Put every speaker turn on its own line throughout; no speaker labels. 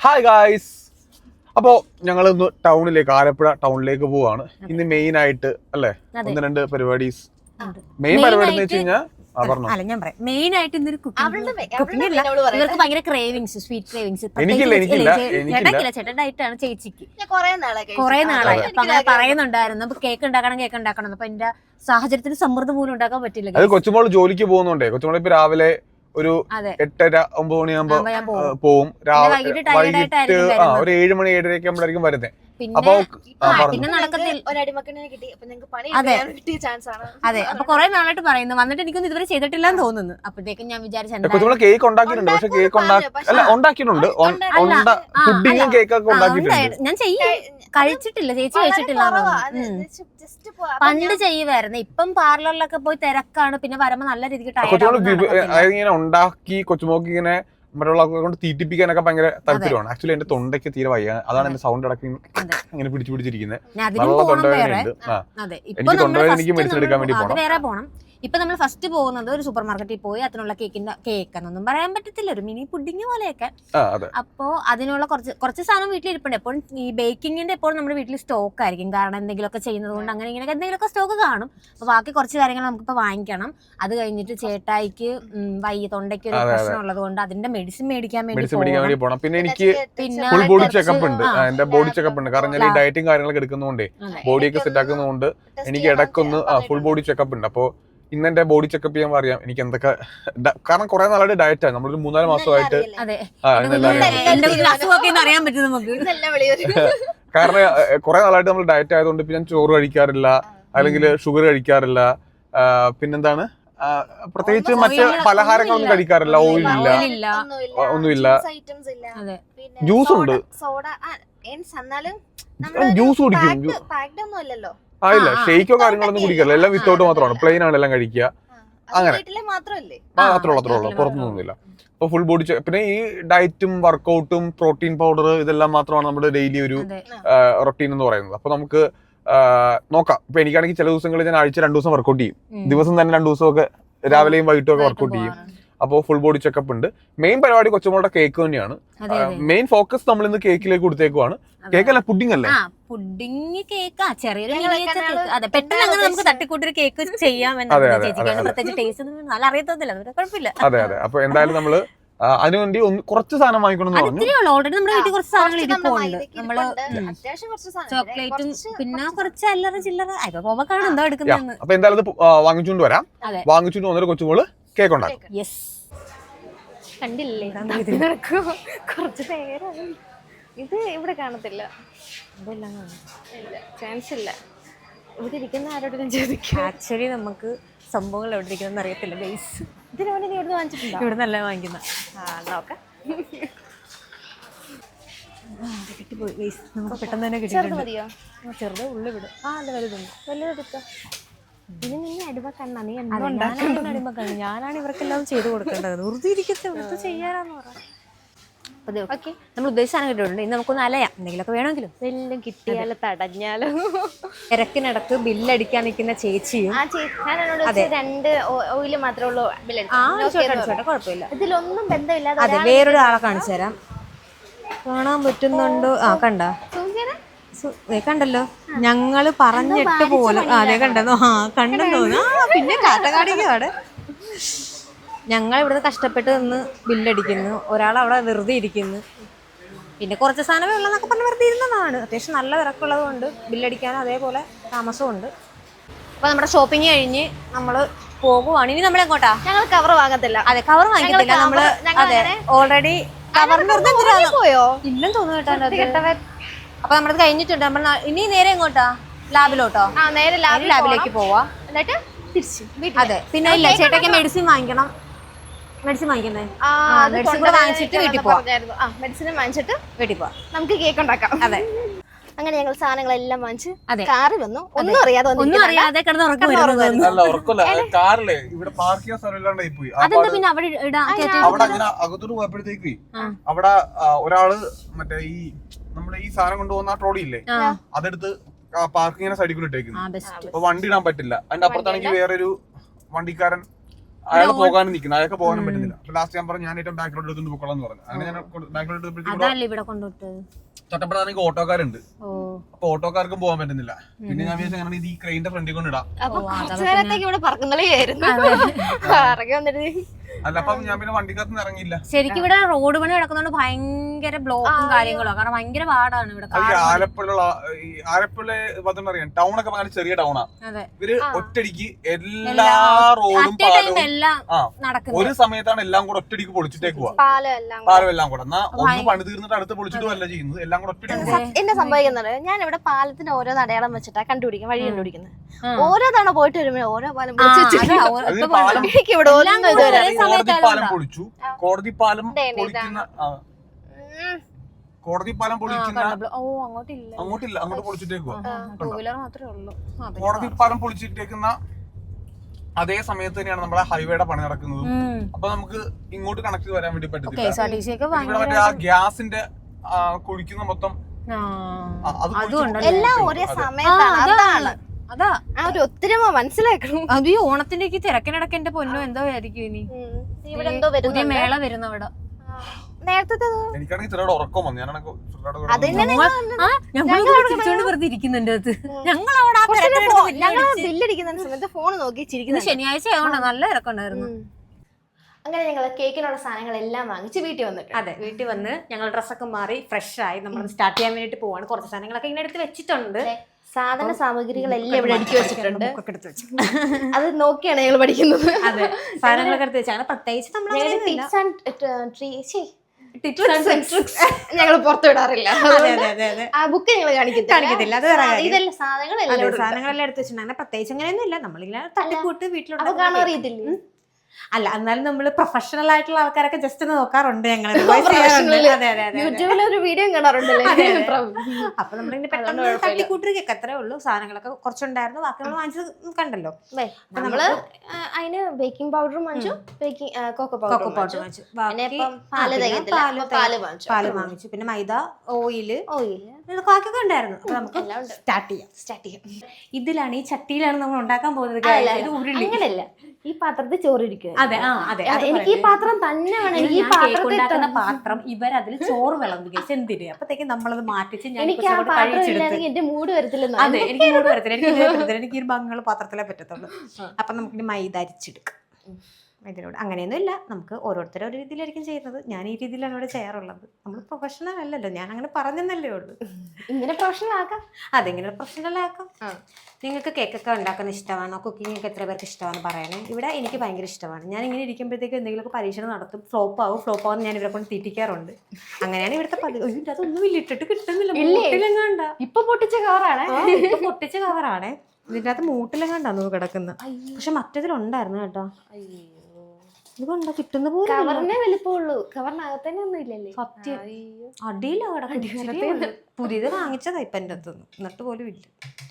Hi guys. അപ്പോൾ ഞങ്ങൾ ഇന്ന് ടൗണിലേക്ക് ആലപ്പുഴ ടൗണിലേക്ക് പോവാണ്. ഇന്ന് മെയിൻ ആയിട്ട് അല്ലേ 1-2 പരിപാടീസ്. മെയിൻ പരിപാടി എന്ന് വെച്ച് കഴിഞ്ഞാൽ
മെയിൻ ആയിട്ട് ഇന്നൊരു ഇവർക്ക് ഭയങ്കര ക്രേവിങ്സ്, സ്വീറ്റ് ക്രേവിങ്സ്. ചേട്ടൻ ഡയറ്റാണ് ചേച്ചിക്ക് കുറെ നാളായി. അപ്പൊ അങ്ങനെ പറയുന്നുണ്ടായിരുന്നു കേക്ക് ഉണ്ടാക്കണം. അപ്പൊ എന്റെ സാഹചര്യത്തിന് സമ്മർദ്ദം പോലും ഉണ്ടാക്കാൻ പറ്റില്ല.
അത് കൊച്ചുമോൾ ജോലിക്ക് പോകുന്നുണ്ടേ. കൊച്ചുമോൾ ഇപ്പൊ രാവിലെ ഒരു 8:30-9 മണിയാകുമ്പോ പോവും. വൈകിട്ട് ഒരു 7 മണി 7:30 ആകുമ്പോഴായിരിക്കും വരുന്നത്.
അതെ, അപ്പൊ കുറെ നാളായിട്ട് പറയുന്നു. വന്നിട്ട് എനിക്കൊന്നും ഇതുവരെ ചെയ്തിട്ടില്ലെന്ന് തോന്നുന്നു. അപ്പോഴത്തേക്കും ഞാൻ
വിചാരിച്ചു കേക്ക് ഉണ്ടാക്കിയിട്ടുണ്ട്. പക്ഷെ കേക്ക് ഉണ്ടാക്കിയിട്ടുണ്ട്. പുഡിങ്ങും കേക്കൊക്കെ ഉണ്ടാക്കിയിട്ടുണ്ട്.
ഞാൻ കഴിച്ചിട്ടില്ല, ചേച്ചി കഴിച്ചിട്ടില്ല. പണ്ട് ചെയ്യുമായിരുന്നു. ഇപ്പം പാർലറിലൊക്കെ പോയി തിരക്കാണ്. പിന്നെ വരുമ്പോ നല്ല രീതിക്ക്
ഇങ്ങനെ ഉണ്ടാക്കി കൊച്ചുമോക്ക് ഇങ്ങനെ മറ്റുള്ളവരെ കൊണ്ട് തീറ്റിപ്പിക്കാനൊക്കെ ഭയങ്കര താല്പര്യമാണ്. ആക്ച്വലി എന്റെ തൊണ്ടയ്ക്ക് തീരെ വയ്യ. അതാണ് എന്റെ സൗണ്ട് ഇടയ്ക്ക് ഇങ്ങനെ പിടിച്ചിരിക്കുന്നത്. നല്ല തൊണ്ടവേദനയുണ്ട്. എനിക്ക് തൊണ്ടവേദന എനിക്ക് മെഡിസിൻ എടുക്കാൻ വേണ്ടി പോകണം.
ഇപ്പൊ നമ്മൾ ഫസ്റ്റ് പോകുന്നത് ഒരു സൂപ്പർ മാർക്കറ്റിൽ പോയി അതിനുള്ള കേക്കെന്നൊന്നും പറയാൻ പറ്റത്തില്ല, ഒരു മിനി പുഡിങ് പോലെയൊക്കെ. അപ്പോ അതിനുള്ള കുറച്ച് സാധനം വീട്ടിലിരിപ്പുണ്ട്. എപ്പോഴും ഈ ബേക്കിങ്ങിന്റെ എപ്പോഴും നമ്മുടെ വീട്ടിൽ സ്റ്റോക്ക് ആയിരിക്കും. കാരണം എന്തെങ്കിലുമൊക്കെ ചെയ്യുന്നത് കൊണ്ട് അങ്ങനെ ഇങ്ങനെ എന്തെങ്കിലുമൊക്കെ സ്റ്റോക്ക് കാണും. അപ്പൊ ബാക്കി കുറച്ച് കാര്യങ്ങൾ നമുക്കിപ്പോ വാങ്ങിക്കണം. അത് കഴിഞ്ഞിട്ട് ചേട്ടായിക്ക് തൊണ്ടയ്ക്ക് ഒരു പ്രശ്നം ഉള്ളത് കൊണ്ട് അതിന്റെ മെഡിസിൻ മേടിക്കാൻ വേണ്ടി
പോകണം. പിന്നെ എനിക്ക് ഫുൾ ബോഡി ചെക്കപ്പ് ഉണ്ട്. എന്റെ ബോഡി ചെക്കപ്പ് ഉണ്ട്. കാരണം ഞാൻ ഈ ഡയറ്റും കാര്യങ്ങളൊക്കെ എടുക്കുന്നതുകൊണ്ട് ബോഡിയൊക്കെ സെറ്റ് ആക്കുന്നതുകൊണ്ട് എനിക്ക് ഇടയ്ക്കൊന്ന് ഫുൾ ബോഡി ചെക്കപ്പ് ഉണ്ട്. അപ്പോ ഇന്ന് എന്റെ ബോഡി ചെക്കപ്പ് ചെയ്യാൻ പറയാം എനിക്ക് എന്തൊക്കെ. കാരണം കുറെ നാളായിട്ട് ഡയറ്റാണ്. നമ്മളൊരു 3-4 മാസമായിട്ട്. കാരണം കുറെ നാളായിട്ട് നമ്മൾ ഡയറ്റ് ആയതുകൊണ്ട് ഇപ്പൊ ഞാൻ ചോറ് കഴിക്കാറില്ല, അല്ലെങ്കിൽ ഷുഗർ കഴിക്കാറില്ല. പിന്നെന്താണ്, പ്രത്യേകിച്ച് മറ്റ് പലഹാരങ്ങളൊന്നും കഴിക്കാറില്ല. ഓയിലില്ല, ഒന്നുമില്ല. ജ്യൂസ് ഉണ്ട്, ജ്യൂസ് കുടിക്കും. ഇല്ല, ഷെയ്ക്കോ കാര്യങ്ങളൊന്നും കുടിക്കാറില്ല. എല്ലാം വിത്തൗട്ട് മാത്രമാണ്. പ്ലെയിൻ ആണ് എല്ലാം കഴിക്കുക. അങ്ങനെ മാത്രമേ ഉള്ളൂ, പുറത്തൊന്നുമില്ല. അപ്പൊ ഫുൾ ബോഡി. പിന്നെ ഈ ഡയറ്റും വർക്കൗട്ടും പ്രോട്ടീൻ പൗഡർ ഇതെല്ലാം മാത്രമാണ് നമ്മുടെ ഡെയിലി ഒരു റൊട്ടീൻ എന്ന് പറയുന്നത്. അപ്പൊ നമുക്ക് നോക്കാം. ഇപ്പൊ എനിക്കാണെങ്കിൽ ചില ദിവസങ്ങളിൽ ഞാൻ ആഴ്ച 2 ദിവസം വർക്കൗട്ട് ചെയ്യും. ദിവസം തന്നെ 2 ദിവസമൊക്കെ രാവിലെയും വൈകിട്ടും ഒക്കെ വർക്കൗട്ട് ചെയ്യും. അപ്പോൾ ഫുൾ ബോഡി ചെക്കപ്പ് ഉണ്ട്. മെയിൻ പരിപാടി കൊച്ചുമോളുടെ കേക്ക് തന്നെയാണ്. മെയിൻ ഫോക്കസ് നമ്മൾ ഇന്ന് കേക്കിലേക്ക് കൊടുത്തേക്കുവാണ്. കേക്കല്ല, പുഡിംഗ് അല്ലേ?
പുഡിംഗ് കേക്ക്, ചെറിയൊരു പെട്ടെന്ന് അങ്ങനെ നമുക്ക് തട്ടിക്കൂട്ടൊരു കേക്ക് ചെയ്യാം. പ്രത്യേകിച്ച് ടേസ്റ്റ് നല്ല അറിയത്തില്ല, കുഴപ്പമില്ല.
അതെ. അപ്പൊ എന്തായാലും നമ്മള് അതിനുവേണ്ടി കുറച്ച് സാധനം വാങ്ങിക്കണം.
ഓൾറെഡി നമ്മുടെ വീട്ടിൽ കുറച്ച് സാധനങ്ങൾ ഇരിപ്പുണ്ട്. നമ്മള് ചോക്ലേറ്റും പിന്നെ കുറച്ച് അല്ലറ ചില്ലറ പോകുമ്പോഴാണ് എന്തോ എടുക്കുന്നത്.
അപ്പൊ എന്തായാലും ഇത് വാങ്ങിച്ചുകൊണ്ട് വരാം. വാങ്ങിച്ചുകൊണ്ട് വന്നിട്ട് കൊച്ചുമോള് കേക്ക് ഉണ്ടാക്കും.
കണ്ടില്ലേ, കുറച്ച് നേരം ഇത് ഇവിടെ കാണത്തില്ല, ചാൻസ് ഇല്ല. ഇവിടെ ഇരിക്കുന്ന ആരോടും ചോദിക്കും.
ആക്ച്വലി നമുക്ക് സംഭവങ്ങൾ എവിടെ ഇരിക്കുന്ന അറിയത്തില്ല. ബേസ്
ഇതിനു വേണ്ടി നീ ഇവിടെ വാങ്ങിച്ചിട്ടുണ്ടോ?
ഇവിടെ നല്ല വാങ്ങിക്കുന്ന
നോക്കാം.
കിട്ടിപ്പോയി. നമുക്ക് പെട്ടെന്ന് തന്നെ
ചെറുത് മതിയോ?
ചെറുത് ഉള്ളി വിടും. അല്ല വലുതുണ്ട്.
വലുതെടുത്തോ. ഇത് നീ അടിമക്കണ്ണ, നീ
അടിമക്കണ്ണ. ഞാനാണ് ഇവർക്കെല്ലാം ചെയ്ത് കൊടുക്കേണ്ടത്. വെറുതെ ഇരിക്കത്തെ ചെയ്യാനാന്ന് പറയാം. നമ്മൾ ഉദ്ദേശിച്ചാണ് കിട്ടിയിട്ടുണ്ട്. ഇന്ന് നമുക്കൊന്ന് അലയാം, എന്തെങ്കിലുമൊക്കെ വേണമെങ്കിലും.
എല്ലാം കിട്ടിയാലോ തടഞ്ഞാലോ.
തിരക്കിനടക്ക് ബില്ലടിക്കാൻ നിൽക്കുന്ന ചേച്ചിയും.
2 ഓയില് മാത്രമേ ഉള്ളൂ.
കുഴപ്പമില്ല.
ഇതിലൊന്നും ബന്ധമില്ല.
അതെ, വേറൊരാളെ കാണിച്ചു തരാം. കാണാൻ പറ്റുന്നുണ്ടോ? കണ്ടല്ലോ, ഞങ്ങള് പറഞ്ഞിട്ട് പോലും. അതെ, കണ്ടെന്നോ? കണ്ടെന്ന് തോന്നുന്നു. പിന്നെ കാട്ടക്കാടിക്കാട് ഞങ്ങൾ ഇവിടുന്ന് കഷ്ടപ്പെട്ട് നിന്ന് ബില്ലടിക്കുന്നു. ഒരാൾ അവിടെ വെറുതെ ഇരിക്കുന്നു. പിന്നെ കുറച്ച് സാധനമേ ഉള്ളതെന്നൊക്കെ പറഞ്ഞ് വെറുതെ ഇരുന്നതാണ്. അത്യാവശ്യം നല്ല തിരക്കുള്ളത് കൊണ്ട് ബില്ലടിക്കാനും അതേപോലെ താമസമുണ്ട്. അപ്പൊ നമ്മുടെ ഷോപ്പിംഗ് കഴിഞ്ഞ് നമ്മള് പോകുവാണ്. ഇനി നമ്മൾ എങ്ങോട്ടാ?
ഞങ്ങൾ കവർ വാങ്ങത്തില്ല.
അതെ, കവർ വാങ്ങിക്കത്തില്ല നമ്മള്. അതെ, ഓൾറെഡി കവറിന്
പോയോ
ഇല്ലെന്ന് തോന്നുന്നു കേട്ടോ. അപ്പൊ നമ്മളത് കഴിഞ്ഞിട്ടുണ്ട്. നമ്മൾ ഇനി നേരെ എങ്ങോട്ടാ? ലാബിലോട്ടോ?
നേരെ
ലാബിലേക്ക് പോവാ.
എന്നിട്ട് തിരിച്ചു.
അതെ, പിന്നെ ഇല്ല, ചേട്ടയ്ക്ക് മെഡിസിൻ വാങ്ങിക്കണം. മെഡിസിൻ വാങ്ങിക്കുന്നേ മെഡിസിൻ വാങ്ങിച്ചിട്ട് വീട്ടിൽ പോവാം.
മെഡിസിൻ വാങ്ങിച്ചിട്ട്
വീട്ടിൽ പോവാം,
നമുക്ക് കേക്ക് ഉണ്ടാക്കാം.
അതെ.
അങ്ങനെ ഞങ്ങൾ സാധനങ്ങളെല്ലാം വാങ്ങിച്ച് കാറിൽ വന്നു. ഒന്നും അറിയാതെ
കിടന്ന് ഉറക്കം.
പിന്നെ അകത്തോട്ട് പോയപ്പോഴത്തേക്ക് അവിടെ ഒരാള് മറ്റേ ഈ നമ്മുടെ ഈ സാധനം കൊണ്ടുപോകുന്ന ട്രോളി ഇല്ലേ, അതെടുത്ത് പാർക്കിങ്ങിനെ സൈഡിൽ കൂടെ ഇട്ടേക്കുന്നു. അപ്പൊ വണ്ടി ഇടാൻ പറ്റില്ല. അതിന്റെ അപ്പുറത്താണെങ്കിൽ വേറൊരു വണ്ടിക്കാരൻ അയാൾ പോകാനും നിൽക്കുന്നു, അയാൾക്ക് പോകാനും പറ്റുന്നില്ല. അപ്പൊ ലാസ്റ്റ് ഞാൻ പറഞ്ഞു ഞാൻ ഏറ്റവും ബാക്കിലോട്ട് എടുത്തുകൊണ്ട് പോയിക്കോളാം പറഞ്ഞു. അങ്ങനെ ഞാൻ ബാക്കിലോട്ട് തൊട്ടപ്പോഴാണെങ്കിൽ ഓട്ടോക്കാരുണ്ട്. അപ്പൊ ഓട്ടോക്കാർക്കും പോകാൻ പറ്റുന്നില്ല. പിന്നെ ഞാൻ വിചാരിച്ചു അങ്ങനെ ഈ ക്രെയിന്റെ ഫ്രണ്ടിൽ കൊണ്ട് ഇടാം. അല്ല അപ്പൊ ഞാൻ പിന്നെ വണ്ടിക്കകത്ത് ഇറങ്ങിയില്ല.
ശരിക്കും ഇവിടെ റോഡ് പണി നടക്കുന്നോണ്ട് ഭയങ്കര ബ്ലോക്കും കാര്യങ്ങളും, കാരണം ഭയങ്കര പാടാണ് ഇവിടെ.
ആലപ്പുഴ അറിയാം, ടൗൺ ഒക്കെ ഭയങ്കര ചെറിയ ടൗണാ. ഇവര് ഒറ്റടിക്ക് എല്ലാ റോഡും ഒരു സമയത്താണ് എല്ലാം കൂടെ ഒറ്റടിക്ക് പൊളിച്ചിട്ടേക്ക് പോവാ. പാലം എല്ലാം കൂടെ എന്നാ ഒന്ന് പണി തീർന്നിട്ട് അടുത്ത് പൊളിച്ചിട്ട് അല്ല ചെയ്യുന്നത്, എല്ലാം കൂടെ ഒറ്റടിക്ക്.
എന്നെ സംഭവിക്കുന്നത് ഞാൻ ഇവിടെ പാലത്തിന് ഓരോ അടയാളം വെച്ചിട്ടാ കണ്ടുപിടിക്കും, വഴി കണ്ടുപിടിക്കുന്നത്. ഓരോ തവണ പോയിട്ട് വരുമ്പോ ഓരോ പാലം
പാലം പൊളിച്ചു. കോടതി പാലം പൊളിക്കുന്ന അങ്ങോട്ടില്ല, അങ്ങോട്ട് പൊളിച്ചിട്ടേക്കുവാ. കോടതി പാലം പൊളിച്ചിട്ടേക്കുന്ന അതേ സമയത്ത് തന്നെയാണ് നമ്മുടെ ഹൈവേയുടെ പണി നടക്കുന്നത്. അപ്പൊ നമുക്ക് ഇങ്ങോട്ട് കണക്ട് വരാൻ വേണ്ടി പറ്റത്തില്ല. ആ ഗ്യാസിന്റെ കുഴിക്കുന്ന മൊത്തം
എല്ലാം ഒരേ സമയത്താണ്.
അതാ
ഒരു ഒത്തിരിമ മനസ്സിലാക്കണം.
അത് ഈ ഓണത്തിന്റെ തിരക്കിനിടക്ക് എന്റെ പൊന്നോ എന്തോ ആയിരിക്കും ഇനി
ഇവിടെ എന്തോ
പുതിയ മേള വരുന്ന അവിടെ.
നേരത്തെ
വെറുതെ ഇരിക്കുന്നുണ്ട്.
ബില്ലടിക്കുന്ന സമയത്ത് ഫോൺ നോക്കി ചിരിക്കുന്നു.
ശനിയാഴ്ച ആയതുകൊണ്ട് നല്ല തിരക്കുണ്ടായിരുന്നു.
അങ്ങനെ ഞങ്ങൾ കേക്കിനുള്ള സാധനങ്ങളെല്ലാം വാങ്ങിച്ച് വീട്ടിൽ വന്നിട്ട്.
അതെ, വീട്ടിൽ വന്ന് ഞങ്ങൾ ഡ്രസ്സൊക്കെ മാറി ഫ്രഷ് ആയി നമ്മൾ സ്റ്റാർട്ട് ചെയ്യാൻ വേണ്ടിട്ട് പോവാണ്. കുറച്ച് സാധനങ്ങളൊക്കെ ഇങ്ങനെ എടുത്ത് വെച്ചിട്ടുണ്ട്.
സാധന സാമഗ്രികളെല്ലാം ഇവിടെ അടുക്കി വെച്ചിട്ടുണ്ട്. അത് നോക്കിയാണ് ഞങ്ങൾ പഠിക്കുന്നത്.
അതെ, സാധനങ്ങളൊക്കെ എടുത്ത് വെച്ചാൽ പ്രത്യേകിച്ച്
ഞങ്ങൾ പുറത്തു വിടാറില്ല. ആ ബുക്ക് ഞങ്ങൾ കാണിക്കത്തില്ല. ഇതെല്ലാം
സാധനങ്ങളെല്ലാം എടുത്ത് വെച്ചിട്ടുണ്ടെങ്കിൽ പ്രത്യേകിച്ച് അങ്ങനെയൊന്നും ഇല്ല. നമ്മളിങ്ങനെ തട്ടിക്കൂട്ട് വീട്ടിലോട്ട് കാണാൻ
അറിയത്തില്ല.
അല്ല, എന്നാലും നമ്മള് പ്രൊഫഷണൽ ആയിട്ടുള്ള ആൾക്കാരൊക്കെ ജസ്റ്റ് ഒന്ന് നോക്കാറുണ്ട് ഞങ്ങൾ.
യൂട്യൂബിലൊരു വീഡിയോ കാണാറുണ്ടല്ലോ.
അപ്പൊ നമ്മളിങ്ങനെ പെട്ടെന്ന് തട്ടിക്കൂട്ട് കേക്ക് അത്രേ ഉള്ളൂ. സാധനങ്ങളൊക്കെ കുറച്ചുണ്ടായിരുന്നു, ബാക്കി നമ്മൾ വാങ്ങിച്ചത് കണ്ടല്ലോ.
നമ്മള് അതിന് ബേക്കിംഗ് പൗഡറും വാങ്ങിച്ചു, കൊക്കോ പൗഡർ വാങ്ങിച്ചു,
പാല് വാങ്ങിച്ചു, പിന്നെ മൈദ, ഓയില് ബാക്കിയൊക്കെ ഉണ്ടായിരുന്നു. അപ്പൊ നമുക്ക് സ്റ്റാർട്ട് ചെയ്യാം. ഇതിലാണ്, ഈ ചട്ടിയിലാണ് നമ്മൾ ഉണ്ടാക്കാൻ പോകുന്നത്.
അങ്ങനെയല്ല, ഈ പാത്രത്തിൽ ചോറിരിക്കും.
അതെ, അതെ,
എനിക്ക് ഈ പാത്രം തന്നെ വേണം. ഈ
കേക്ക് ഉണ്ടാക്കുന്ന പാത്രം ഇവരതിൽ ചോറ് വിളമ്പുക എന്തിന്. അപ്പത്തേക്ക് നമ്മളത് മാറ്റിച്ച്
എന്റെ മൂഡ് വരത്തില്ല.
അതെ, എനിക്ക് മൂഡ് വരത്തില്ല. എനിക്ക് ഒരു ഭംഗിയുള്ള പാത്രത്തിലേ പറ്റത്തുള്ളൂ. അപ്പൊ നമുക്ക് മൈദ അരിച്ചെടുക്കാം. ഇതിനോട് അങ്ങനെയൊന്നും ഇല്ല, നമുക്ക് ഓരോരുത്തരും ഒരു രീതിയിലായിരിക്കും ചെയ്യുന്നത്. ഞാൻ ഈ രീതിയിലാണ് ഇവിടെ ചെയ്യാറുള്ളത്. നമ്മൾ പ്രൊഫഷണൽ അല്ലല്ലോ, ഞാൻ അങ്ങനെ പറഞ്ഞെന്നല്ലേ ഉള്ളൂ.
ഇങ്ങനെ പ്രൊഫഷണൽ ആക്കാം.
അതെങ്ങനെ പ്രൊഫഷണൽ ആക്കാം. നിങ്ങൾക്ക് കേക്കൊക്കെ ഉണ്ടാക്കുന്ന ഇഷ്ടമാണോ, കുക്കിംഗ് ഒക്കെ എത്ര പേർക്ക് ഇഷ്ടമാണ് പറയണേ. ഇവിടെ എനിക്ക് ഭയങ്കര ഇഷ്ടമാണ്. ഞാൻ ഇങ്ങനെ ഇരിക്കുമ്പോഴത്തേക്ക് എന്തെങ്കിലുമൊക്കെ പരീക്ഷണം നടത്തും. ഫ്ലോപ്പ് ആവും ഞാൻ ഇവരെ കൊണ്ട് തീറ്റിക്കാറുണ്ട്. അങ്ങനെയാണ് ഇവിടുത്തെ അതൊന്നും ഇല്ല, ഇട്ടിട്ട് കിട്ടുന്നില്ല.
ഇപ്പൊ പൊട്ടിച്ച കവറാണ്.
പൊട്ടിച്ച കവറാണ്. ഇതിൻ്റെ അകത്ത് മൂട്ടിലെങ്ങാണ്ടാന്ന് കിടക്കുന്നത്. പക്ഷെ മറ്റേതിലുണ്ടായിരുന്നു കേട്ടോ. ഇതുകൊണ്ടോ കിട്ടുന്ന പോലെ
കവറിനെ വലിപ്പമുള്ളൂ, കവറിനകത്തന്നെ ഒന്നും ഇല്ലല്ലേ.
സത്യം, അടിയിലാണ്. പുതിയത് വാങ്ങിച്ചതാ ഇപ്പൊ എൻ്റെ അടുത്ത്, എന്നിട്ട് പോലും ഇല്ല.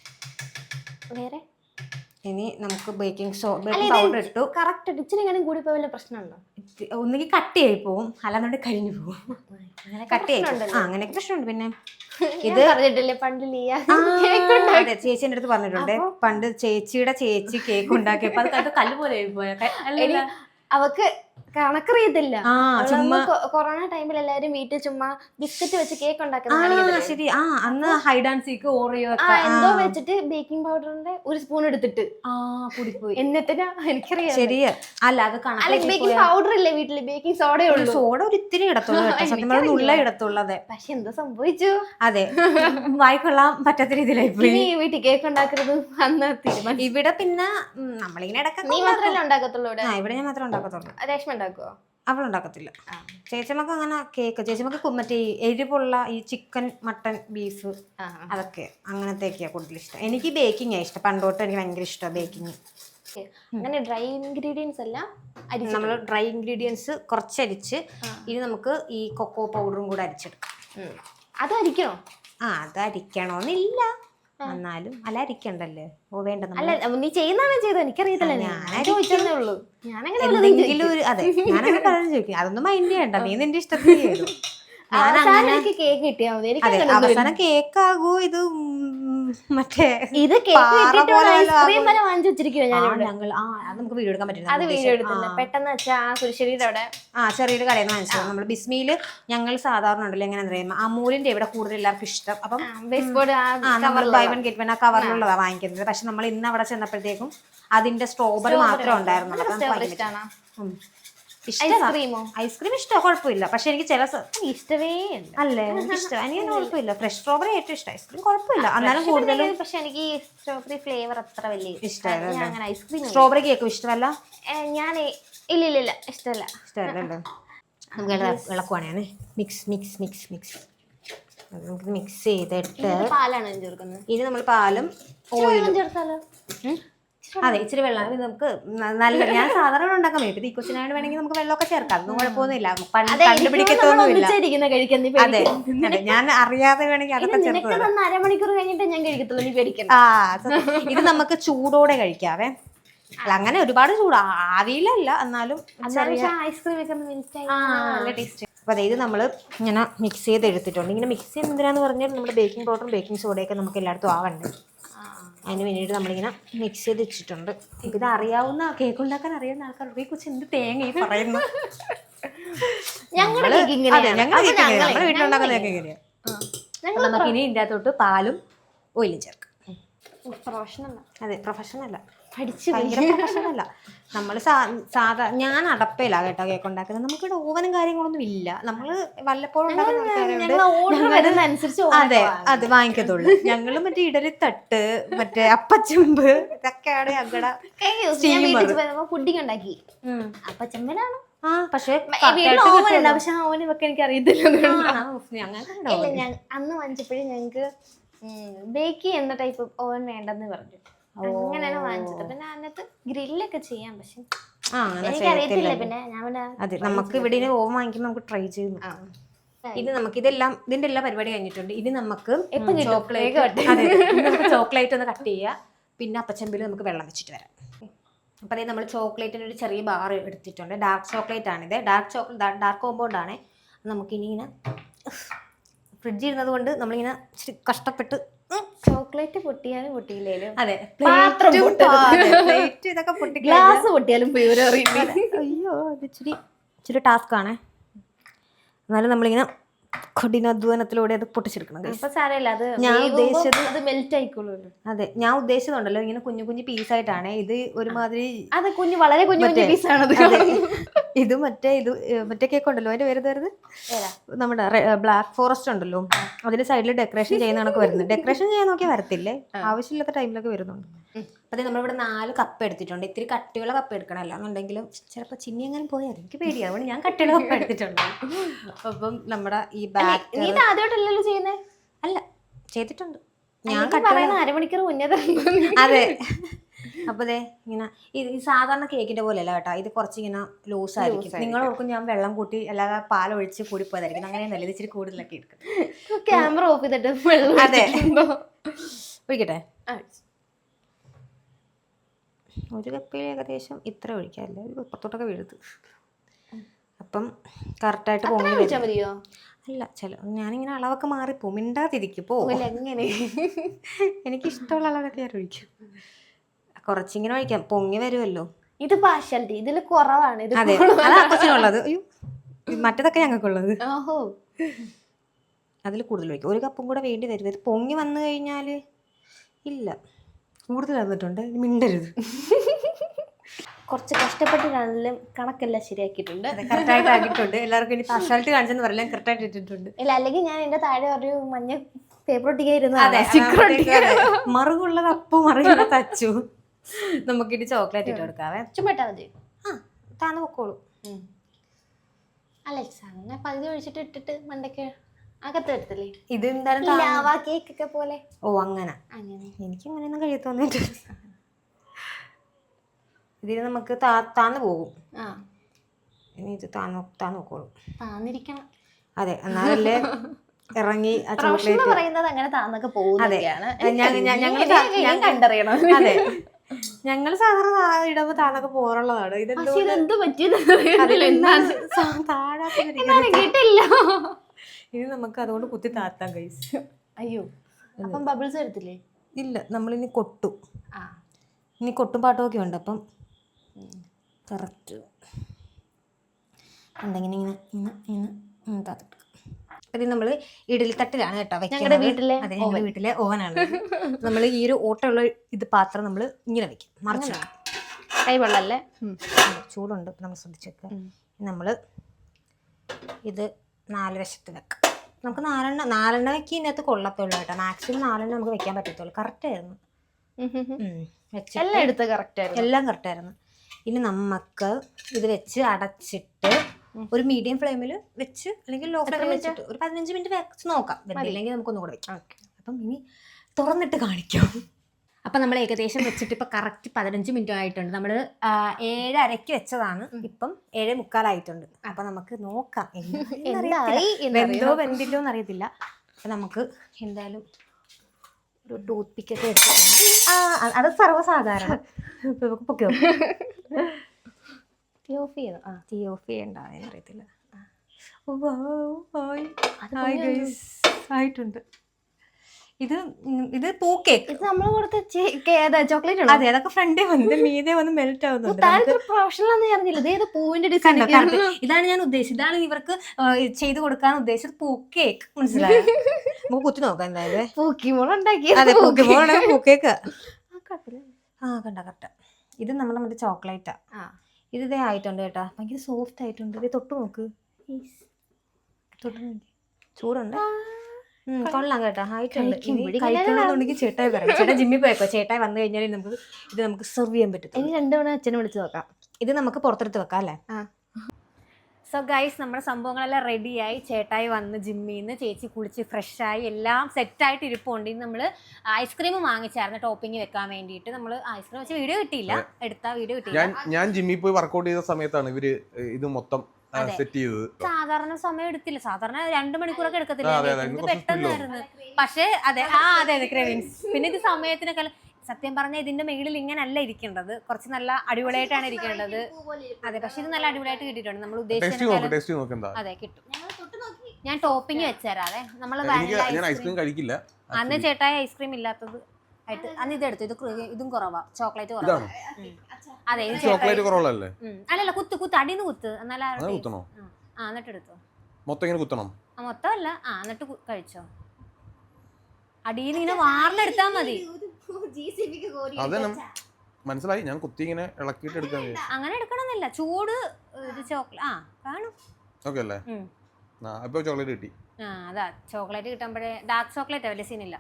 വേറെ
ഇനി നമുക്ക് ബേക്കിംഗ് പൗഡർ ഇട്ടു.
കറക്റ്റ് ഇച്ചിരി കൂടി പോയ പ്രശ്നമുണ്ടോ?
ഒന്നുകിൽ കട്ടിയായി പോവും, അല്ലാന്നുണ്ട് കരിഞ്ഞു പോവും. കട്ടിയായി അങ്ങനെയൊക്കെ പ്രശ്നമുണ്ട്. പിന്നെ ഇത്
പറഞ്ഞിട്ടില്ലേ പണ്ട്
അതെ, ചേച്ചിന്റെ അടുത്ത് പറഞ്ഞിട്ടുണ്ട്. പണ്ട് ചേച്ചിയുടെ ചേച്ചി കേക്ക് ഉണ്ടാക്കിയപ്പോ അത് കല്ല് പോലെ പോയ
അവക്ക് കണക്കറിയത്തില്ല. കൊറോണ ടൈമിൽ എല്ലാരും വീട്ടിൽ ചുമ്മാ ബിസ്ക്കറ്റ് വെച്ച് കേക്ക് ഉണ്ടാക്കുന്ന.
ശരി, അന്ന് ഹൈഡ് ആൻഡ് സീക്ക് ഓറിയോ
എന്തോ വെച്ചിട്ട് ബേക്കിംഗ് പൗഡറിന്റെ ഒരു സ്പൂൺ എടുത്തിട്ട്
കൂടിപ്പോയി.
എന്നിട്ടാ എനിക്കറിയാം.
ശരിയാ. അല്ല, അത്
ബേക്കിംഗ് പൗഡർ ഇല്ലേ വീട്ടില്, ബേക്കിംഗ് സോഡയേ ഉള്ളൂ.
സോഡ ഒരു ഇത്തിരി ഇടത്തുള്ളൂ, ഉള്ള ഇടത്തുള്ളൂ. അതെ,
പക്ഷെ എന്തോ സംഭവിച്ചു.
അതെ, വായിക്കൊള്ളാൻ പറ്റാത്ത രീതിയിലായി പോയി.
വീട്ടിൽ കേക്ക് ഉണ്ടാക്കുന്നത് അന്ന് തീരുമാനം.
ഇവിടെ പിന്നെ നമ്മളിങ്ങനെ ഇടയ്ക്ക്.
നീ മാത്രമല്ലേ ഉണ്ടാക്കത്തുള്ളൂ
ഇവിടെ? ഞാൻ മാത്രമേ ഉണ്ടാക്കത്തുള്ളൂ.
രേഷ്മ ഉണ്ടാക്കുവോ?
അവളുണ്ടാക്കത്തില്ല. ചേച്ചിമ്മക്ക് അങ്ങനെ കേക്ക്, ചേച്ചിമ്മക്ക് മറ്റേ എരിവുള്ള ഈ ചിക്കൻ, മട്ടൻ, ബീഫ് അതൊക്കെ അങ്ങനത്തെയൊക്കെയാ കൂടുതൽ ഇഷ്ടം. എനിക്ക് ബേക്കിംഗ് ഇഷ്ടം, പണ്ടോട്ട് എനിക്ക് ഭയങ്കര ഇഷ്ടമാണ് ബേക്കിംഗ്.
അങ്ങനെ ഡ്രൈ ഇൻഗ്രീഡിയൻസ് എല്ലാം
നമ്മൾ ഡ്രൈ ഇൻഗ്രീഡിയൻസ് കുറച്ചരിച്ച് ഇനി നമുക്ക് ഈ കൊക്കോ പൗഡറും കൂടെ അരിച്ചെടുക്കാം.
അത് അരിക്കണോ?
അത് അരിക്കണോന്നില്ല, എന്നാലും അല്ല അരിക്കണ്ടല്ലേ. വേണ്ട,
നീ ചെയ്യുന്നതാണ് ചെയ്തത്, എനിക്കറിയത്തില്ല.
എന്തെങ്കിലും ഒരു അതെ, ഞാനങ്ങനെ പറഞ്ഞു ചോദിക്കും. അതൊന്നും മൈൻഡ് ചെയ്യണ്ട, നീ നിന്റെ ഇഷ്ടത്തിന് ചെയ്തു.
കേക്ക് കിട്ടിയാ മതി.
അതെ, അവസാനം കേക്കാകൂ ഇത് മറ്റേ
ഇത് ഐസ്ക്രീം വരെ വാങ്ങിച്ചു വെച്ചിരിക്കുവോ
ഞങ്ങൾ. അത് നമുക്ക് വീഡിയോ എടുക്കാൻ പറ്റില്ല.
അത് വീഡിയോ എടുത്തില്ല പെട്ടെന്ന് വെച്ചാൽ ആ കുരിശ്ശേരിയുടെ അവിടെ
ചെറിയൊരു കടയിൽ നിന്ന് വാങ്ങിച്ചത്. നമ്മൾ ബിസ്മിയില് ഞങ്ങൾ സാധാരണ ഉണ്ടല്ലോ എങ്ങനെ അറിയാം, അമൂലിന്റെ ഇവിടെ കൂടുതൽ എല്ലാവർക്കും ഇഷ്ടം. അപ്പം ബൈ വൺ ഗെറ്റ് വൺ ആ കവറിലുള്ളതാണ് വാങ്ങിക്കുന്നത്. പക്ഷെ നമ്മൾ ഇന്ന് അവിടെ ചെന്നപ്പോഴത്തേക്കും അതിന്റെ സ്ട്രോബെറി മാത്രമേ ഉണ്ടായിരുന്നുള്ളൂ. ഐസ്ക്രീം ഇഷ്ടമാണ്, കുഴപ്പമില്ല. പക്ഷെ എനിക്ക് ചില
ഇഷ്ടമേ
അല്ലേ, എനിക്ക് ഇഷ്ടം. എനിക്ക് കുഴപ്പമില്ല. ഫ്രഷ് സ്ട്രോബെറി ഏറ്റവും ഇഷ്ടം. ഐസ്ക്രീം കുഴപ്പമില്ല, എന്നാലും കൂടുതലും.
പക്ഷെ എനിക്ക് സ്ട്രോബെറി ഫ്ലേവർ അത്ര വലിയ
ഇഷ്ടമല്ല.
അങ്ങനെ ഐസ്ക്രീം
സ്ട്രോബെറി കേക്കും ഇഷ്ടമല്ല.
ഞാൻ ഇല്ല ഇഷ്ടമല്ല.
ഇഷ്ടമല്ലല്ലോ. നമുക്ക് ഇളക്കുവാണേ. മിക്സ് മിക്സ് മിക്സ് മിക്സ് നമുക്ക് മിക്സ് ചെയ്തിട്ട്
പാലാണ് ചേർക്കുന്നത്.
ഇനി നമ്മൾ പാലും ഓയിലും
ചേർത്താലോ?
അതെ, ഇച്ചിരി വെള്ളം. ഇത് നമുക്ക് നല്ല, ഞാൻ സാധാരണ ഉണ്ടാക്കാൻ പറ്റും. ഈ കൊച്ചിനായിട്ട് വേണമെങ്കിൽ നമുക്ക് വെള്ളമൊക്കെ ചേർക്കാം, അതൊന്നും കുഴപ്പമൊന്നുമില്ല. കണ്ടുപിടിക്കത്തൊന്നുമില്ല. അതെ അതെ, ഞാൻ അറിയാതെ വേണമെങ്കിൽ അതൊക്കെ ചേർക്കാം.
അരമണിക്കൂർ കഴിഞ്ഞിട്ട് ഞാൻ കഴിക്കത്തുള്ളൂ, നീ പേടിക്കണം.
ഇത് നമുക്ക് ചൂടോടെ കഴിക്കാവേ. അല്ല അങ്ങനെ ഒരുപാട് ചൂട് ആവിയിലല്ല, എന്നാലും
ഐസ്ക്രീം ഒക്കെ നല്ല ടേസ്റ്റ്.
അപ്പോൾ അതായത് നമ്മൾ ഇങ്ങനെ മിക്സ് ചെയ്ത് എടുത്തിട്ടുണ്ട്. ഇങ്ങനെ മിക്സ് ചെയ്യുന്നത് എന്തിനാന്ന് പറഞ്ഞാൽ നമ്മുടെ ബേക്കിംഗ് പൗഡറും ബേക്കിംഗ് സോഡയൊക്കെ നമുക്ക് എല്ലായിടത്തും ആവണ്ടേ, അതിന് വേണ്ടിയിട്ട് നമ്മളിങ്ങനെ മിക്സ് ചെയ്ത് വെച്ചിട്ടുണ്ട്. ഇത് അറിയാവുന്ന, കേക്ക് ഉണ്ടാക്കാൻ അറിയാവുന്ന ആൾക്കാരുടെ ഈ കുറിച്ച് എന്ത് തേങ്ങ ഈ പറയുന്നു.
ഞങ്ങളുടെ
വീട്ടിലുണ്ടാക്കുന്ന കേക്ക് എങ്ങനെയാണ്. നമുക്ക് ഇനി ഇതിൻ്റെ അകത്തോട്ട് പാലും ഓയിലും ചേർക്കാം. അതെ, പ്രൊഫഷണല്ല, ഭയങ്കര പ്രൊഫഷണല്ല. നമ്മൾ ഞാൻ അടപ്പയിലാണ് കേട്ടോ കേക്ക് ഉണ്ടാക്കുന്നത്. നമുക്കിവിടെ ഓവനും കാര്യങ്ങളൊന്നും ഇല്ല. നമ്മൾ വല്ലപ്പോഴും അതെ അത് വാങ്ങിക്കത്തുള്ളൂ. ഞങ്ങള് മറ്റേ ഇഡലിത്തട്ട്, മറ്റേ അപ്പച്ചെമ്പ്, ഇതൊക്കെയാണ് ഞങ്ങളുടെ
പുഡിങ് ഉണ്ടാക്കി. അപ്പച്ചെമ്പനാണ്
പക്ഷെ
ഓവൻ വെക്കാൻ എനിക്ക് അറിയത്തില്ല. അന്ന് വാങ്ങിച്ചപ്പോഴും ഞങ്ങക്ക് ബേക്ക് ചെയ്യുന്ന ടൈപ്പ് ഓവൻ വേണ്ടെന്ന് പറഞ്ഞു. അങ്ങനെയാണ് വാങ്ങിച്ചത്. പിന്നെ അതിനകത്ത് ഗ്രില്ലൊക്കെ ചെയ്യാം, പക്ഷെ എനിക്കറിയത്തില്ല. പിന്നെ ഞാൻ
അതെ, നമുക്ക് ഇവിടെ ഓവൻ വാങ്ങിക്കുമ്പോൾ നമുക്ക് ട്രൈ ചെയ്തു. ഇത് നമുക്ക് ഇതെല്ലാം ഇതിന്റെ എല്ലാ പരിപാടി കഴിഞ്ഞിട്ടുണ്ട്. ഇനി നമുക്ക് ചോക്ലേറ്റ് ഒന്ന് കട്ട് ചെയ്യുക. പിന്നെ അപ്പച്ചമ്പിൽ നമുക്ക് വെള്ളം വെച്ചിട്ട് വരാം. അപ്പോൾ അതായത് നമ്മൾ ചോക്ലേറ്റിന് ഒരു ചെറിയ ബാർ എടുത്തിട്ടുണ്ട്. ഡാർക്ക് ചോക്ലേറ്റ് ആണിത്. ഡാർക്ക് കോമ്പൗണ്ട് ആണ്. നമുക്കിനി ഇങ്ങനെ ഫ്രിഡ്ജിൽ ഇരുന്നത് കൊണ്ട് നമ്മളിങ്ങനെ കഷ്ടപ്പെട്ട്
ചോക്ലേറ്റ് പൊട്ടിയാലും പൊട്ടിയില്ലേലും
അതെ ഇതൊക്കെ പൊട്ടി
ഗ്ലാസ് പൊട്ടിയാലും
അയ്യോ അത് ഇച്ചിരി ടാസ്ക് ആണേ. എന്നാലും നമ്മളിങ്ങനെ കഠിനാധ്വാനത്തിലൂടെ അത് പൊട്ടിച്ചെടുക്കണം. ഞാൻ ഉദ്ദേശിച്ചത് അത് മെൽറ്റ് ആയിക്കോളൂ. അതെ, ഞാൻ ഉദ്ദേശിച്ചതുണ്ടല്ലോ ഇങ്ങനെ കുഞ്ഞു കുഞ്ഞു പീസായിട്ടാണ്. ഇത് ഒരുമാതിരി
അത് വളരെ കുഞ്ഞു പീസാണ്.
ഇത് മറ്റേ കേക്ക് ഉണ്ടല്ലോ, അതിന്റെ പേര് തരുന്നത് നമ്മുടെ ബ്ലാക്ക് ഫോറസ്റ്റ് ഉണ്ടല്ലോ, അതിന്റെ സൈഡിൽ ഡെക്കറേഷൻ ചെയ്യുന്ന കണക്ക് വരുന്നത്. ഡെക്കറേഷൻ ചെയ്യാൻ നോക്കിയാൽ വരത്തില്ലേ, ആവശ്യമില്ലാത്ത ടൈമിലൊക്കെ വരുന്നുണ്ട്. അപ്പൊ നമ്മളിവിടെ 4 കപ്പ് എടുത്തിട്ടുണ്ട്. ഇത്തിരി കട്ടിയുള്ള കപ്പ് എടുക്കണം, അല്ലാന്നുണ്ടെങ്കിലും ചിലപ്പോൾ ചിന്നി അങ്ങനെ പോയാൽ എനിക്ക് പേടിയാണ്. അതുകൊണ്ട് ഞാൻ കട്ടിയുള്ള കപ്പ് എടുത്തിട്ടുണ്ട്. അപ്പം നമ്മുടെ ഈ
ആദ്യമായിട്ടല്ലോ ചെയ്യുന്നേ?
അല്ല, ചെയ്തിട്ടുണ്ട്
ഞാൻ അരമണിക്കൂർ മുന്നേ.
അതെ, അപ്പൊ ഇങ്ങനെ ഈ സാധാരണ കേക്കിന്റെ പോലെ അല്ല കേട്ടോ, ഇത് കുറച്ചിങ്ങനെ ലൂസ് ആയിരിക്കും. നിങ്ങൾ ഓർക്കും ഞാൻ വെള്ളം കൂട്ടി അല്ലാതെ പാലൊഴിച്ച് കൂടി പോയതായിരിക്കും. അങ്ങനെയൊന്നല്ല, ഇത് ഇച്ചിരി കൂടുതലൊക്കെ എടുക്കും.
ക്യാമറ ഓഫ് ചെയ്തിട്ട്
അതെ ഒഴിക്കട്ടെ. ഒരു കപ്പിൽ ഏകദേശം ഇത്ര ഒഴിക്കാമല്ലേ, ഒരു പുറത്തോട്ടൊക്കെ വീഴുത്ത്. അപ്പം കറക്റ്റായിട്ട്
മതിയോ?
അല്ല, ഞാനിങ്ങനെ അളവൊക്കെ മാറിപ്പോവും, മിണ്ടാതിരിക്കും പോകില്ല. എങ്ങനെ എനിക്കിഷ്ടമുള്ള അളവൊക്കെ ഞാൻ ഒഴിക്കും. കുറച്ചിങ്ങനെ ഒഴിക്കാം, പൊങ്ങി വരുമല്ലോ.
ഇത് പാർഷ്യാലിറ്റി, ഇതിൽ കുറവാണ്.
അതെ, അതാ കൊച്ചിനുള്ളത്. അയ്യോ, മറ്റേതൊക്കെ ഞങ്ങൾക്കുള്ളത്. അതിൽ കൂടുതൽ ഒഴിക്കും. ഒരു കപ്പും കൂടെ വേണ്ടി വരും. ഇത് പൊങ്ങി വന്നു കഴിഞ്ഞാൽ ഇല്ല, കൂടുതൽ വന്നിട്ടുണ്ട്, മിണ്ടരുത്.
കുറച്ച് കഷ്ടപ്പെട്ടിട്ടാണെങ്കിലും കണക്കെല്ലാം ശരിയാക്കിയിട്ടുണ്ട്,
കറക്റ്റായിട്ട് ആക്കിയിട്ടുണ്ട്. എല്ലാവർക്കും ഇനി പാർഷ്യാലിറ്റി കാണിച്ചെന്ന് പറയാൻ കറക്റ്റായിട്ട് ഇട്ടിട്ടുണ്ട്.
ഇല്ല, അല്ലെങ്കിൽ ഞാൻ എന്റെ താഴെ ഒരു മഞ്ഞ പേപ്പർ ഒട്ടിക്കായിരുന്നു.
മറുകുള്ള കപ്പ് മറുകുള്ള തച്ചു. നമുക്കിനി ചോക്ലേറ്റ് ഇട്ട് കൊടുക്കാവേ.
ചുമ്മാ മതി.
താന്ന് പൊക്കോളൂ.
അലക്സ അങ്ങനെ പകുതി ഒഴിച്ചിട്ട് ഇട്ടിട്ട് മണ്ടയ്ക്ക് അകത്ത് എടുത്തില്ലേ?
ഇത് എന്തായാലും
കേക്കൊക്കെ പോലെ.
ഓ അങ്ങനെ എനിക്ക് അങ്ങനെയൊന്നും കഴിയത്തൊന്നിട്ട്. ഇതിന് നമുക്ക് താന്ന് പോകും. ഇനി ഇത് താന്ന് നോക്കോളൂ.
താന്നിരിക്കണം.
അതെ, എന്നാലല്ലേ ഇറങ്ങി ആ ചോക്ലേറ്റ്
പറയുന്നത് അങ്ങനെ താന്നൊക്കെ പോകുന്നതൊക്കെയാണ്.
അതെ, ഞങ്ങൾ സാധാരണ ഇടുമ്പോ താന്നൊക്കെ പോറുള്ളതാണ്.
ഇതെന്ത് പറ്റിയത്?
ഇനി നമുക്ക് അതുകൊണ്ട് കുത്തി താത്താം ഗൈസ്.
അയ്യോ, അപ്പം ബബിൾസ് വരത്തില്ലേ?
ഇല്ല, നമ്മളിനി കൊട്ടു. ഇനി കൊട്ടും പാട്ടും ഒക്കെ ഉണ്ട്. അപ്പം കറക്റ്റ് എന്തെങ്കിലും ഇങ്ങനെ ഇങ്ങനെ ഇങ്ങനെ താത്തിട്ട്. ഇത് നമ്മൾ ഇഡലി തട്ടിലാണ് കേട്ടോ
ഞങ്ങളുടെ വീട്ടിലെ.
അതെ, ഞങ്ങളുടെ വീട്ടിലെ ഓവനാണ്. നമ്മൾ ഈ ഒരു ഓട്ടമുള്ള ഇത് പാത്രം നമ്മൾ ഇങ്ങനെ വെക്കും, മറിച്ച് വെക്കും.
കൈ വെള്ളല്ലേ,
ചൂടുണ്ട്, നമ്മൾ ശ്രദ്ധിച്ച് വെക്കുക. നമ്മൾ ഇത് 4 വശത്ത് വെക്കാം. നമുക്ക് 4 വെക്കി ഇതിനകത്ത് കൊള്ളത്തുള്ളൂ കേട്ടോ. മാക്സിമം 4 നമുക്ക് വെക്കാൻ പറ്റത്തുള്ളൂ. കറക്റ്റ് ആയിരുന്നു,
എല്ലാം എടുത്ത് കറക്റ്റ് ആയിരുന്നു,
എല്ലാം കറക്റ്റ് ആയിരുന്നു. ഇനി നമുക്ക് ഇത് വെച്ച് അടച്ചിട്ട് ഒരു മീഡിയം ഫ്ലെയിമിൽ വെച്ച് അല്ലെങ്കിൽ ലോ ഫ്ലെയിമിൽ വെച്ചിട്ട് ഒരു 15 മിനിറ്റ് വെച്ച് നോക്കാം. വെന്തില്ലെങ്കിൽ നമുക്കൊന്നും കൂടെ വെക്കാം. അപ്പം ഇനി തുറന്നിട്ട് കാണിക്കാം. അപ്പം നമ്മൾ ഏകദേശം വെച്ചിട്ട് ഇപ്പം കറക്റ്റ് 15 മിനിറ്റ് ആയിട്ടുണ്ട്. നമ്മൾ 7:30 വെച്ചതാണ്, ഇപ്പം 7:45 ആയിട്ടുണ്ട്. അപ്പം നമുക്ക് നോക്കാം, വെന്തോ വെന്തില്ലോ എന്നറിയത്തില്ല. അപ്പം നമുക്ക് എന്തായാലും ഒരു ടൂത്ത് പിക്കൊക്കെ വെച്ച് അത് സർവ്വസാധാരണ നമുക്ക് പൊക്കി നോക്കാം.
തീ ഓഫ് ചെയ്തു.
തീ ഓഫ് ചെയ്യണ്ടായെന്ന് അറിയത്തില്ല. ആയിട്ടുണ്ട്. ഇത് പൂ കേക്ക്.
ഇത് നമ്മൾ കൊടുത്ത ചോക്ലേറ്റ്.
അതെ, അതൊക്കെ ഫ്രണ്ടിൽ വന്ന് മീതെ വന്ന് മെൽറ്റ് ആവുന്നുണ്ട്.
പ്രൊഫഷണൽ അറിഞ്ഞില്ല. പൂവിന്റെ ഡിസൈൻ.
ഇതാണ് ഞാൻ ഉദ്ദേശിച്ചത്, ഇതാണ് ഇവർക്ക് ചെയ്ത് കൊടുക്കാൻ ഉദ്ദേശിച്ചത്. പൂ കേക്ക്, മനസ്സിലായോ? നമുക്ക് കുത്തി നോക്കാം എന്തായാലും.
പൂക്കിമോളുണ്ടാക്കി.
അതെ, പൂക്കിമോളാണ് പൂ കേക്ക്. കണ്ട കറക്റ്റ്. ഇത് നമ്മുടെ ചോക്ലേറ്റാ. ഇത് ഇതേ ആയിട്ടുണ്ട് കേട്ടാ, ഭയങ്കര സോഫ്റ്റ് ആയിട്ടുണ്ട്. ഇത് തൊട്ട് നോക്ക്, തൊട്ട് നോക്കി. ചൂടുണ്ട്, കൊള്ളാം കേട്ടോ, ആയിട്ടുണ്ട്. കഴിക്കണമെന്നുണ്ടെങ്കിൽ ചേട്ടായി പറയാം. ചേട്ടാ ജിമ്മിൽ പോയേക്കോ, ചേട്ടായി വന്നു കഴിഞ്ഞാൽ നമുക്ക് സെർവ് ചെയ്യാൻ പറ്റും.
ഇനി 2 തവണ അച്ഛനെ വിളിച്ച് നോക്കാം.
ഇത് നമുക്ക് പുറത്തെടുത്ത് വെക്കാം അല്ലേ? സോ ഗൈസ്, നമ്മുടെ സംഭവങ്ങളെല്ലാം റെഡിയായി. ചേട്ടായി വന്ന് ജിമ്മിൽ നിന്ന്, ചേച്ചി കുളിച്ച് ഫ്രഷായി, എല്ലാം സെറ്റായിട്ട് ഇരിപ്പുണ്ട്. ഇന്ന് നമ്മൾ ഐസ്ക്രീം വാങ്ങിച്ചായിരുന്നു ടോപ്പിംഗ് വെക്കാൻ വേണ്ടിയിട്ട്. നമ്മൾ ഐസ്ക്രീം വെച്ച് വീഡിയോ കിട്ടിയില്ല, എടുത്ത വീഡിയോ കിട്ടിയില്ല.
ഞാൻ ജിമ്മിൽ പോയി വർക്കൗട്ട് ചെയ്ത സമയത്താണ് ഇവര് ഇത് മൊത്തം സെറ്റ് ചെയ്തത്.
സാധാരണ സമയം എടുത്തില്ല, സാധാരണ 2 മണിക്കൂറൊക്കെ എടുക്കത്തില്ല, ഇത് പെട്ടെന്നായിരുന്നു. പക്ഷേ അതെ അതെ ക്രേവിങ്സ്. പിന്നെ ഇത് സമയത്തിനൊക്കെ സത്യം പറഞ്ഞാൽ ഇതിന്റെ മേളിൽ ഇങ്ങനല്ല ഇരിക്കേണ്ടത്, കുറച്ച് നല്ല അടിപൊളിയായിട്ടാണ് ഇരിക്കേണ്ടത്. അതെ, പക്ഷെ ഇത് നല്ല അടിപൊളിയായിട്ട് കിട്ടിയിട്ടുണ്ട്. നമ്മൾ ഉദ്ദേശിച്ച അതെ കിട്ടും. ഞാൻ ടോപ്പിംഗ് വെച്ചുതരാം. അതെ, നമ്മള് അന്ന് ചേട്ടായി ഐസ്ക്രീം ഇല്ലാത്തത് ആയിട്ട് അന്ന് ഇതെടുത്തു. ഇതും കുറവാ, ചോക്ലേറ്റ് കുറവാ. അതെ,
ചോക്ലേറ്റ് കുറവല്ലേ?
അല്ലല്ല, കുത്ത് അടിന്ന് കുത്ത്, എന്നാലും എന്നിട്ട് എടുത്തോ.
കുത്തണം
മൊത്തം അല്ല, എന്നിട്ട് കഴിച്ചോ. അടിയിൽ ഇങ്ങനെ വാർന്നെടുത്താ മതി.
മനസ്സിലായി, ഞാൻ കുത്തി ഇങ്ങനെ ഇളക്കിയിട്ട് എടുക്കാൻ.
അങ്ങനെ എടുക്കണമെന്നില്ല, ചൂട് ചോക്ലേറ്റ് കാണും.
ഓക്കെ അല്ലേ? അപ്പൊ ചോക്ലേറ്റ് കിട്ടി.
അതാ ചോക്ലേറ്റ് കിട്ടുമ്പോഴേ ഡാർക്ക് ചോക്ലേറ്റ് വലിയ സീനില്ല.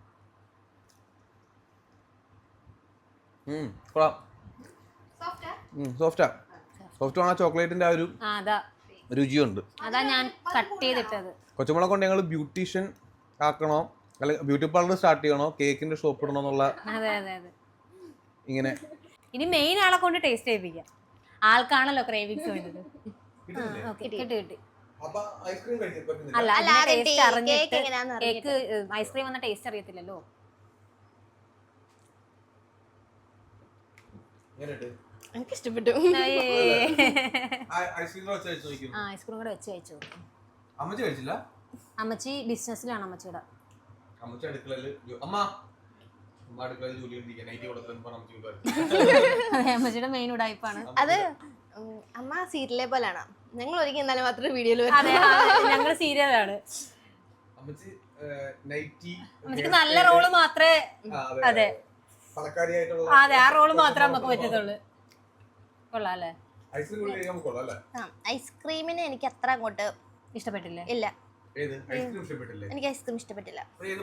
സോഫ്റ്റ് ആണ് ചോക്ലേറ്റിന്റെ ആ ഒരു രുചിയുണ്ട്.
അതാ ഞാൻ കട്ട് ചെയ്തിട്ടത്.
കൊച്ചുമോളെ കൊണ്ട് ഞങ്ങൾ ബ്യൂട്ടീഷ്യൻ ആക്കണോ, അല്ലെങ്കിൽ ബ്യൂട്ടി പാർലർ സ്റ്റാർട്ട് ചെയ്യണോ, കേക്കിന്റെ ഷോപ്പ് ഇടണോ എന്നുള്ള ഇങ്ങനെ.
ഇനി മെയിൻ ആളെ കൊണ്ട് ടേസ്റ്റ് ചെയ്യിപ്പിക്കാം. ആൾക്കാണല്ലോ ക്രേവിങ്സ് വേണ്ടത്. കിട്ടി. അല്ല, ടേസ്റ്റ് അറിഞ്ഞിട്ട് കേക്ക് ഐസ്ക്രീം വന്ന ടേസ്റ്റ് അറിയത്തില്ലല്ലോ.
എനിക്ക് ഇഷ്ടപ്പെട്ടു.
ഐസ്ക്രീം കൂടെ വെച്ച് കഴിച്ചു. അമ്മച്ചി ബിസിനസ്സിലാണ്. അമ്മച്ചിയുടെ അമ്മച്ചിയുടെ മെയിൻ ഉടായ്പാണ്
അത്. അമ്മ സീരിയലെ പോലാണ്. ഞങ്ങൾ ഒരിക്കൽ എന്നാലും മാത്രമേ വീഡിയോയിൽ.
ഞങ്ങൾ സീരിയലാണ്. അമ്മച്ചിക്ക് നല്ല റോള് മാത്രമേ. അതെ അതെ, ആ റോള് മാത്രമേ നമുക്ക് പറ്റത്തുള്ളൂ. കൊള്ളാം അല്ലേ?
ഐസ്ക്രീമിന് എനിക്ക് അത്ര അങ്ങോട്ട്
ഇഷ്ടപ്പെട്ടില്ല.
ഇല്ല, എനിക്ക് ഐസ്ക്രീം ഇഷ്ടപ്പെട്ടില്ല.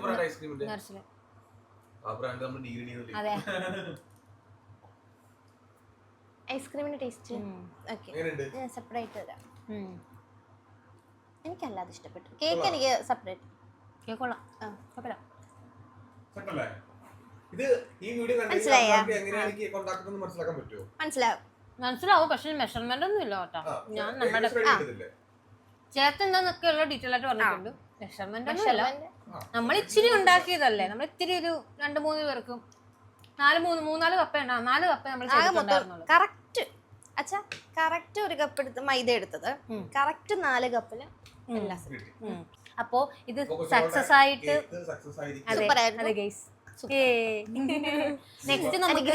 അതെ,
ഐസ്ക്രീമിന്റെ ടേസ്റ്റ് സെപ്പറേറ്റ് തരാം. എനിക്കല്ലാതെ ഇഷ്ടപ്പെട്ടു. കേക്ക് എനിക്ക് സെപ്പറേറ്റ്.
കേക്ക് കൊള്ളാം. മനസ്സിലാവും, പക്ഷെ മെഷർമെന്റ് ഒന്നും ഇല്ല കേട്ടോ. ഞാൻ നമ്മുടെ ചേർത്തെന്താന്നൊക്കെ ഉള്ള ഡീറ്റെയിൽ ആയിട്ട് പറഞ്ഞിട്ടുണ്ട്. മെഷർമെന്റ് ഒന്നും ഇല്ല. നമ്മൾ ഇച്ചിരി ഉണ്ടാക്കിയതല്ലേ, നമ്മൾ ഇത്തിരി ഒരു 2-3 പേർക്കും 4 കപ്പ് ഉണ്ടാ 4 കപ്പ് നമ്മൾ ചെയ്തിട്ടുണ്ടായിരുന്നുള്ളൂ.
കറക്റ്റ് അച്ഛാ, കറക്റ്റ് 1 കപ്പ് എടുത്ത് മൈദ എടുത്തത്, കറക്റ്റ് 4 കപ്പില്.
അപ്പോ ഇത് സക്സസ് ആയിട്ട് അതെ അതെ ഗൈസ് നെക്സ്റ്റ് നമുക്ക്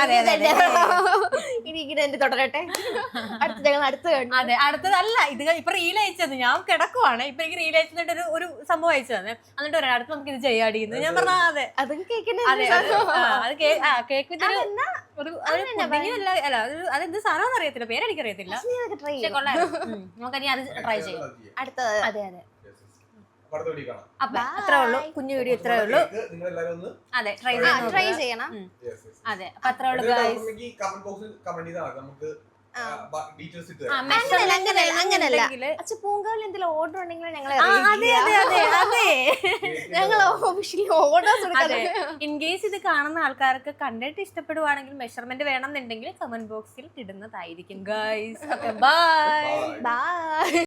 തുടരട്ടെ
അതെ അടുത്തതല്ല ഇത് ഇപ്പൊ റീൽ അയച്ചത് ഞാൻ കിടക്കുവാണ് ഇപ്പൊ എനിക്ക് റീൽ അയച്ചിട്ട് ഒരു സംഭവം അയച്ചത് എന്നിട്ട് പറയാം അടുത്ത് നമുക്ക് ഇത് ചെയ്യാടിയെന്ന് ഞാൻ പറഞ്ഞ അതെ
അതും കേക്കിന്
അതെ അത് കേക്ക് അല്ല അതെന്ത് സാധനം അറിയത്തില്ല പേരെനിക്കറിയത്തില്ല പക്ഷെ കൊള്ളായിരുന്നു നമുക്കനി അത് ട്രൈ ചെയ്യാം
അടുത്തത്
അതെ അതെ അപ്പൊ അത്രേ ഉള്ളൂ കുഞ്ഞു വീഡിയോ ഇത്രേ ഉള്ളൂ അതെ ട്രൈ ചെയ്യണം അതെ അപ്പൊ അത്രേ ഉള്ളൂ
അങ്ങനല്ല പൂങ്കാവിൽ എന്തെങ്കിലും ഓർഡർ ഉണ്ടെങ്കിൽ ഞങ്ങൾ ഓർഡർ
ഇൻ കേസ് ഇത് കാണുന്ന ആൾക്കാർക്ക് കണ്ടിട്ട് ഇഷ്ടപ്പെടുവാണെങ്കിൽ മെഷർമെന്റ് വേണം എന്നുണ്ടെങ്കിൽ കമന്റ് ബോക്സിൽ ഇടുന്നതായിരിക്കും ഗൈസ്. ബൈ.